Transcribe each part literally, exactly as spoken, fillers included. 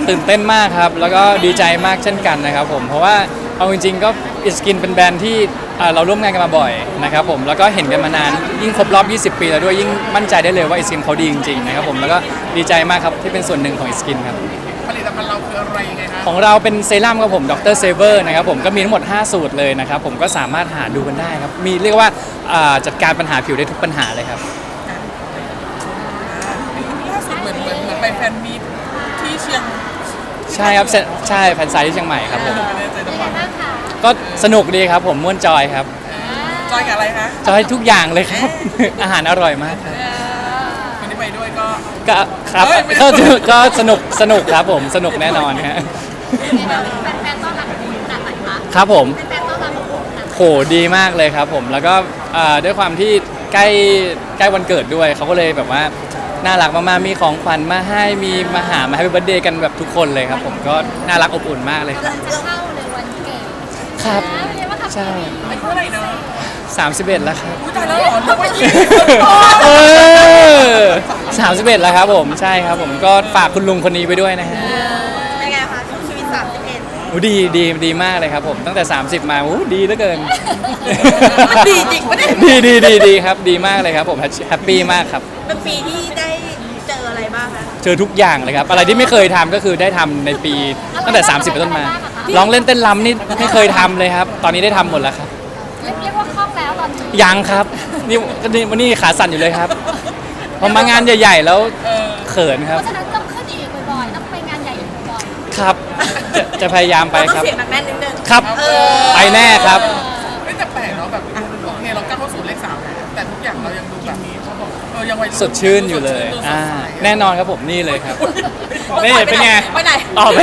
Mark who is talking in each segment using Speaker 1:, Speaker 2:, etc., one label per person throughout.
Speaker 1: ตื่นเต้นมากครับแล้วก็ดีใจมากเช่นกันนะครับผมเพราะว่าเอาจริงๆก็อิสกินเป็นแบรนด์ที่เราร่วมงานกันมาบ่อยนะครับผมแล้วก็เห็นกันมานานยิ่งครบรอบยี่สิบปีแล้วด้วยยิ่งมั่นใจได้เลยว่าอิสกินเขาดีจริงๆนะครับผมแล้วก็ดีใจมากครับที่เป็นส่วนหนึ่งของอิสกินครับ
Speaker 2: ผลิตภัณฑ์เราคืออะไรยังไงคะ
Speaker 1: ของเราเป็นเซรั่มครับผมดรเซเวอร์นะครับผมก็มีทั้งหมดห้าสูตรเลยนะครับผมก็สามารถหาดูกันได้ครับมีเรียกว่าจัดการปัญหาผิวได้ทุกปัญหาเลยครับ
Speaker 2: ล่าสุดเหมือนเหมือนเหมือนไปแฟนมีตที่เชียง
Speaker 1: ใช่ครับใช่แฟนไซต์ที่เชียงใหม่ครับผมก็สนุกดีครับผมม่วนจอยครับ
Speaker 2: จอยกับอะไรคะ
Speaker 1: จอยทุกอย่างเลยครับอาหารอร่อยมากครับ
Speaker 2: คนที่ไปด้วยก็
Speaker 1: ก็ครับก็ก็สนุกสนุกครับผมสนุกแน่นอนฮะ
Speaker 3: แฟนๆต้อนรับคุณขนาดไหนคะ
Speaker 1: ครับผม
Speaker 3: แฟนๆต้อนรับคุณ
Speaker 1: โหดีมากเลยครับผมแล้วก็ด้วยความที่ใกล้ใกล้วันเกิดด้วยเขาก็เลยแบบว่าน่ารักมากๆมีของขวัญมาให้มีมาหามาให้เป็นเบิร์ธเดย์กันแบบทุกคนเลยครับผมก็น่ารักอบอุ่นมากเลยครับ
Speaker 3: จะเข้าเลยวันเกิด
Speaker 1: ครับใช่
Speaker 2: อายุเท่าไหร่นะ
Speaker 1: สามสิบเอ็ดแล้วครับ
Speaker 2: อุ้ยตายแล้วเหรอนึกว่ายี่
Speaker 1: สามสิบเอ็ดแล้วครับผมใช่ครับผมก็ฝากคุณลุงคนนี้ไปด้วยนะฮะ
Speaker 3: เป็นไงคะชีวิตสามสิบเอ็ด
Speaker 1: โอ้ดีดีดีมากเลยครับผมตั้งแต่สามสิบมาโอ้ดีเหลือเกิน
Speaker 3: ดีจริงปะเนี่ย
Speaker 1: ดีดีดีดีครับดีมากเลยครับผมแฮปปี้มากครับ
Speaker 3: เป็นปีที่ได้เจออะไรบ้างคะ
Speaker 1: เจอทุกอย่างเลยครับอะไรที่ไม่เคยทำก็คือได้ทำในปีตั้งแต่สามสิบเป็นต้นมาร้องเล่นเต้นรำนี่ไม่เคยทำเลยครับตอนนี้ได้ทำหมดแล้วครับ
Speaker 3: เรียกว่าคล่องแล้วตอนนี้
Speaker 1: ยังครับนี่วันนี้ขาสั่นอยู่เลยครับพอมางานใหญ่ๆแล้วเขินครับ
Speaker 3: เพราะฉะนั้นต้องขึ้นอีกบ่อยๆต้องไปงานใหญ่อีกบ่อย
Speaker 1: ๆครับจะจะพยายามไปครับ
Speaker 3: เสียงหนักแน่นนิดนึง
Speaker 1: ครับไปแน่ครับ
Speaker 2: ไม่แต่แปลกเนาะแบบโอเคเราก้าวเข้าสู่เลขสามแต่ทุกอย่างเรายังดูแบบเขาบอกเออยังวัย
Speaker 1: สดชื่นอยู่เลยอ่าแน่นอนครับผมนี่เลยครับนี่เป็นไง
Speaker 3: ไปไหน
Speaker 1: ต่อไป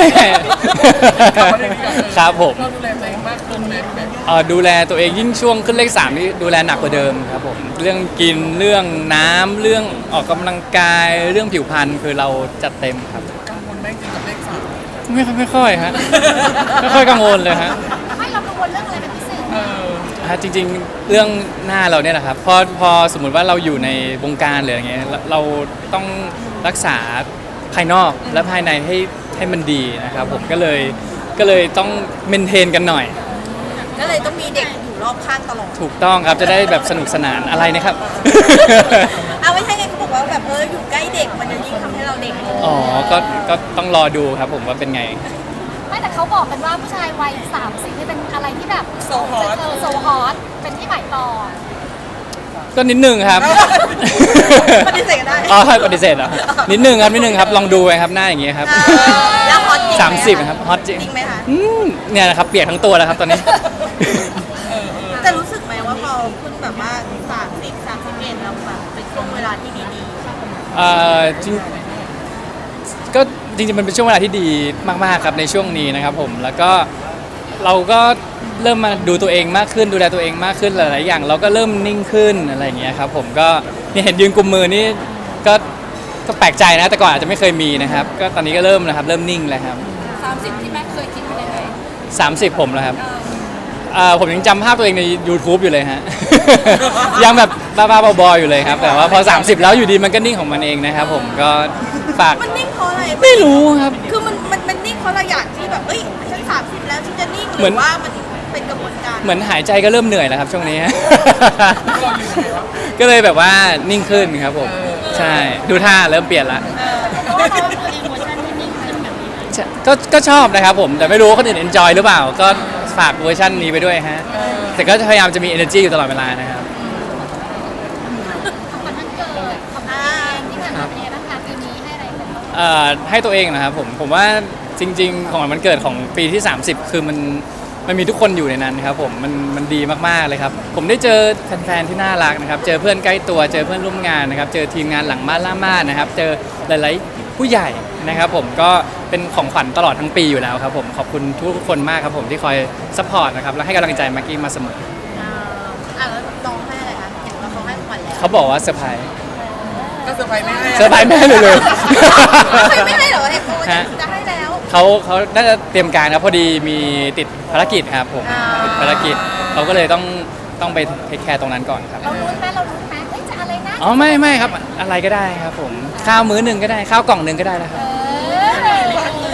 Speaker 1: ครับผม
Speaker 2: เราดูแลตัวเองมากขึ้นไหมแบบ
Speaker 1: ดูแลตัวเองยิ่งช่วงขึ้นเลขสามนี่ดูแลหนักกว่าเดิมครับผมเรื่องกินเรื่องน้ำเรื่องออกกำลังกายเรื่องผิวพรรณคือเราจัดเต็มครับ
Speaker 2: กังวลไหมจริงกับเลขสาม
Speaker 1: ไม่ไม่ค่อยฮะไม่ค่อยกังวลเลยฮะ
Speaker 3: ไม่เรากังวลเรื่องอะไรเป็นพิเศษ
Speaker 1: ฮะจริงๆเรื่องหน้าเราเนี่ยแหละครับพอพอสมมุติว่าเราอยู่ในวงการหรืออะไรเงี้ยเราต้องรักษาภายนอกและภายในให้ให้มันดีนะครับผมก็เลยก็เลยต้องเมนเทนกันหน่อย
Speaker 3: ก็เลยต้องมีเด็กอยู่รอบข้างตลอด
Speaker 1: ถูกต้องครับจะได้แบบสนุกสนานอะไรนะครับ
Speaker 3: เอาไม่ใช่ไงเขาบอกว่าแบบเอออยู่ใกล้เด็กมันจะยิ่งทำให้เราเด็ก
Speaker 1: อ๋อก็ก็ต้องรอดูครับผมว่าเป็นไง
Speaker 3: ไม่แต่เขาบอกกันว่าผู้ชายวัยสามสิบนี่เป็นอะไรที่แบบโซฮอตโซฮอตเป็นที่หมายปอง
Speaker 1: ก็นิดนึงครับ
Speaker 3: ปฏิเสธได้
Speaker 1: อ๋อปฏิเสธเหรอนิดนึงครับนิดนึงครับลองดูไปครับหน้าอย่างเงี้ยครับ
Speaker 3: แล้วฮอตจริง
Speaker 1: สามสิบครับฮอตจริง
Speaker 3: จริงไหมคะ
Speaker 1: เนี่ยนะครับเปียกทั้งตัวแล้วครับตอนนี้
Speaker 3: แต่รู้สึกไหมว่าพอคุณแบบว่าสามสิบสามสิบเอ็ดเราแบบเป็นช่วงเวลาที่ดีๆ
Speaker 1: เอ่อจริงก็จริงๆมันเป็นช่วงเวลาที่ดีมากๆครับในช่วงนี้นะครับผมแล้วก็เราก็เริ่มมาดูตัวเองมากขึ้นดูแลตัวเองมากขึ้นหลายๆอย่างเราก็เริ่มนิ่งขึ้นอะไรอย่างเงี้ยครับผมก็นี่เห็นยืนกุมมือนี่ก็ก็แปลกใจนะแต่ก่อนอาจจะไม่เคยมีนะครับก็ตอนนี้ก็เริ่มนะครับเริ่มนิ่งแล้วครับ
Speaker 3: สามสิบที่แม่เคยคิดเป็นยังไง
Speaker 1: สามสิบผมแล้วครับผมยังจำภาพตัวเองใน YouTube อยู่เลยฮะยังแบบบ้าๆบอๆอยู่เลยครับแต่ว่าพอสามสิบแล้วอยู่ดีมันก็นิ่งของมันเองนะครับผมก็ฝาก
Speaker 3: มันนิ่งเพราะอะไร
Speaker 1: ไม่รู้ครับ
Speaker 3: คือมันมันมันนิ่งเพราะเราอยากที่แบบเอ้ยฉันสามสิบแล้วฉันจะนิ่งหรือว่ามันเป็นกระบวนการ
Speaker 1: เหมือนหายใจก็เริ่มเหนื่อยแล้วครับช่วงนี้ก็เลยแบบว่านิ่งขึ้นครับผมใช่ดูท่าเริ่มเปลี่ยนละก็ก็ชอบนะครับผมแต่ไม่รู้ว่าคนอื่น enjoy หรือเปล่าก็ฝากเวอร์ชันนี้ไปด้วยฮะแต่ก็พยายามจะมี energy อยู่ตลอดเวลานะครับ
Speaker 3: ของวันเกิดของตัวเองที่ผ่านมาเป็นยังไงบ้างคะปีนี้ให้อะไรกันบ้าง
Speaker 1: เอ่อให้ตัวเองนะครับผมผมว่าจริงๆของวันเกิดของปีที่สามสิบคือมันมันมีทุกคนอยู่ในนั้นครับผมมันมันดีมากๆเลยครับผมได้เจอแฟนๆที่น่ารักนะครับเจอเพื่อนใกล้ตัวเจอเพื่อนร่วมงานนะครับเจอทีมงานหลังม่านล่าม่านนะครับเจอหลายๆผู้ใหญ่นะครับผมก็เป็นของขวัญตลอดทั้งปีอยู่แล้วครับผมขอบคุณทุกคนมากครับผมที่คอยซัพพอร์ตนะครับและให้กำลังใจมากกี้มาเสมอ
Speaker 3: อ่าแล้วน้องให้อะไรคะเห็นว่าเขาให้ขวัญแล้ว
Speaker 1: เขาบอกว่าเซอร์ไพรส์
Speaker 2: ก็เซอร์ไพรส์ไม่ให้
Speaker 1: เซอร์ไพรส์ไม่ให้เลยเลย
Speaker 3: ไม่ให้เหรอเห็นว่าจะให้แล้ว
Speaker 1: เขาเขาน่าจะเตรียมการครับพอดีมีติดภารกิจครับผมติดภารกิจเขาก็เลยต้องต้องไปเทคแคร์ตรงนั้นก่อนครับ
Speaker 3: เรารู้ไหมเรารู้ไหมเฮ้ยจะอะไรนะ
Speaker 1: อ๋อไม่ไม่ครับอะไรก็ได้ครับผมข้าวมื้อหนึ่งก็ได้ข้าวกล่องหนึ่งก็ได้แล้วครับ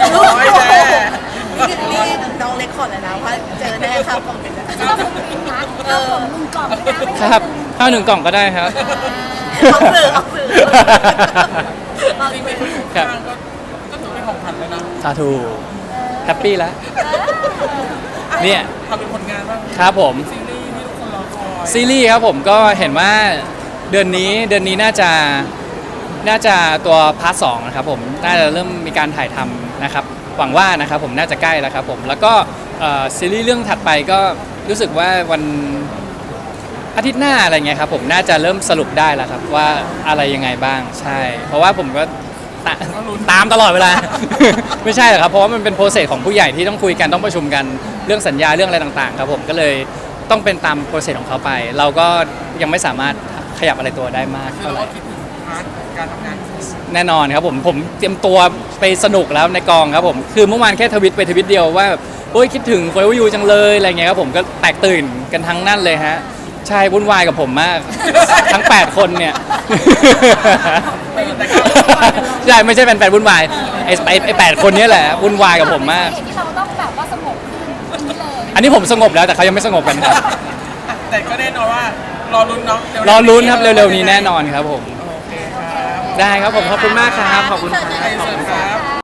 Speaker 3: ลูก
Speaker 2: โอ้ยแน่
Speaker 3: นี่นี่น้องเล็กขอเลยนะว่าเจอแน่ครับผมเป็น
Speaker 4: เราผมกินนะเราผมลุงกล่องนะไม่
Speaker 1: ค
Speaker 4: ใช่
Speaker 1: รับข้าวหนึ่งกล่องก็ได้ครับ
Speaker 3: ออกสื่อออกสื่อออก
Speaker 2: จริง
Speaker 3: สื่อ
Speaker 2: ๆข้างก็ก็ถือเป็นของขวัญเลยนะ
Speaker 1: สาธุแฮปปี้แล้ว เนี่ย
Speaker 2: ทำเป็นผลงานบ้าง
Speaker 1: ครับผม
Speaker 2: ซีรีส์ที่ทุกคนรอคอย
Speaker 1: ซีรีส์ครับผมก็เห็นว่าเดือนนี้เดือนนี้น่าจะน่าจะตัวพาร์ทสองนะครับผมน่าจะเริ่มมีการถ่ายทำนะครับหวังว่านะครับผมน่าจะใกล้แล้วครับผมแล้วก็เอ่อซีรีส์เรื่องถัดไปก็รู้สึกว่าวันอาทิตย์หน้าอะไรเงี้ยครับผมน่าจะเริ่มสรุปได้แล้วครับว่าอะไรยังไงบ้างใช่ เพราะว่าผมก็ตาตามตลอดเวลา ไม่ใช่หรอกครับเพราะว่ามันเป็นโปรเซสของผู้ใหญ่ที่ต้องคุยกันต้องประชุมกันเรื่องสัญญาเรื่องอะไรต่างๆครับผมก็เลยต้องเป็นตามโปรเซสของเขาไป เราก็ยังไม่สามารถขยับอะไรตัวได้มาก
Speaker 2: คือ
Speaker 1: เท่า
Speaker 2: เรา
Speaker 1: ไหร่
Speaker 2: ก็คิดถึงพาร์ทการทำงาน
Speaker 1: แน่นอนครับผมผมเตรียมตัวไปสนุกแล้วในกองครับผมคือเมื่อวานแค่ทวิตไปทวิตเดียวว่าแบบโอ้ยคิดถึงโฟร์ยูจังเลยอะไรเงี้ยครับผมก็แตกตื่นกันทั้งนั่นเลยฮะใช่วุ่นวายกับผมมาก ทั้งแปดคนเนี่ย ใช่ไม่ใช่แฟนๆวุ่นวายไอ้ไอ้ไอ้แปดคนเนี้แหละวุ่นวายกับผมมาก
Speaker 4: เหตุที่เราต้องแบบว่าสงบขึ้นนี้เลย
Speaker 1: อันนี้ผมสงบแล้วแต่เขายังไม่สงบกันครับ
Speaker 2: แต่ก็แน่นอนว่ารอลุ้นเนาะเวๆ
Speaker 1: รอลุ้นครับเร็วๆนี้แน่นอนครับผม
Speaker 2: โอเคครับ
Speaker 1: ได้ครับผมขอบคุณมากครับขอบคุณครับ
Speaker 2: ไอเสิร์ฟครับ